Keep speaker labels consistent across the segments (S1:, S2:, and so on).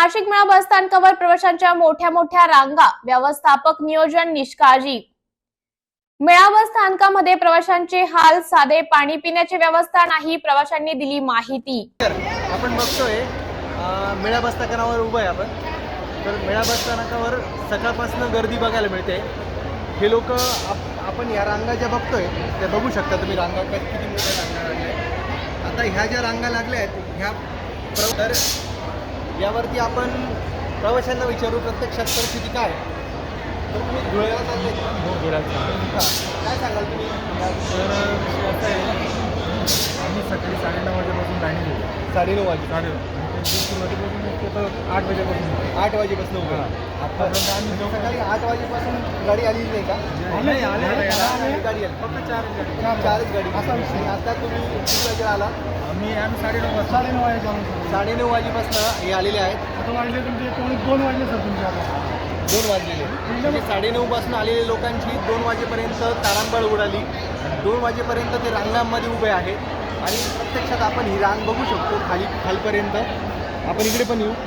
S1: नाशिक मेळा बस स्थानकावर प्रवाशांच्या मोठ्या रांगा, व्यवस्थापक नियोजन निष्काळजी। मेळा बस स्थानकामध्ये प्रवाशांचे हाल, साधे पाणी पिण्याची व्यवस्था नाही, प्रवाशांनी दिली माहिती।
S2: आपण बघतोय मेळा बस स्थानकावर उभा आहे आपण। तर मेळा बस स्थानकावर सकाळपासून गर्दी बघायला मिळते। हे लोक आपण या रांगा ज्या बघतोय त्या बघू शकता तुम्ही, रांगा किती मोठ्या रांगा लागल्या। आता ह्या ज्या रांगा लागल्या आहेत ह्या तर यावरती आपण प्रवाशांना विचारू प्रत्यक्षात परिस्थिती काय। तर तुम्ही धुळ्याला चालले का?
S3: हो, धुळ्याला।
S2: काय सांगाल तुम्ही?
S3: तर असं आहे, आम्ही सकाळी 9:30 वाजेपासून गाडी घेऊ।
S2: 9:30 वाजे
S3: आणि त्यांची सुरुवातीपासून तर 8 वाजेपासून
S2: 8 वाजेपासून उभं आहे।
S3: आतापर्यंत आम्ही
S2: सकाळी 8 वाजेपासून गाडी आलेली नाही का?
S3: नाही आले
S2: गाडी आली
S3: फक्त 4 गाडी।
S2: चारच गाडी असा विषय। आता तुम्ही किती वाजेला आला?
S3: आम्ही 9:30 वाजता
S2: 9:30 वाजेपासून हे आलेले आहेत।
S3: आता वाजले तुमचे 2 वाजले सर तुमच्या
S2: 2 वाजलेले म्हणजे 9:30 पासून आलेल्या लोकांची 2 वाजेपर्यंत तारांबळ उडाली। 2 वाजेपर्यंत ते रांगांमध्ये उभे आहेत आणि प्रत्यक्षात आपण ही रांग बघू शकतो खालपर्यंत। आपण इकडे पण येऊ।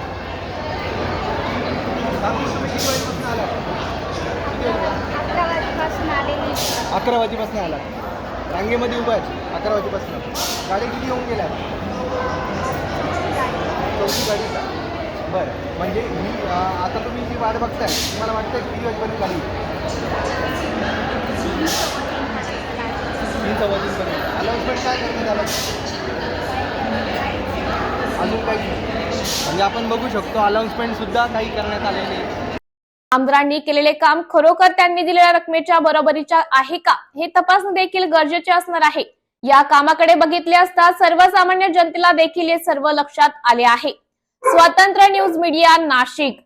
S2: तुम्ही किती वाजेपासून आला?
S4: 11 वाजेपासून आलेली।
S2: 11 वाजेपासून आला रांगेमध्ये उभा आहे 11 वाजेपासून। गाडी किती येऊन गेल्या? 4 गाडी का? बरं, म्हणजे ही आता तुम्ही जी वाट बघताय तुम्हाला वाटतं किती वाजेपर्यंत गाडी? 3 वाजेपर्यंत। अनाउन्समेंट काय करण्यात आलं? अजून काही म्हणजे आपण बघू शकतो अनाउन्समेंट सुद्धा काही करण्यात आलेली आहे।
S1: आमदारांनी केलेले काम खरोखर त्यांनी दिलेल्या रकमेच्या बरोबरीच्या आहे का, हे तपासणे देखील गरजेचे असणार आहे। या कामाकडे बघितले असता सर्वसामान्य जनतेला देखील हे सर्व लक्षात आले आहे। स्वतंत्र न्यूज मीडिया, नाशिक।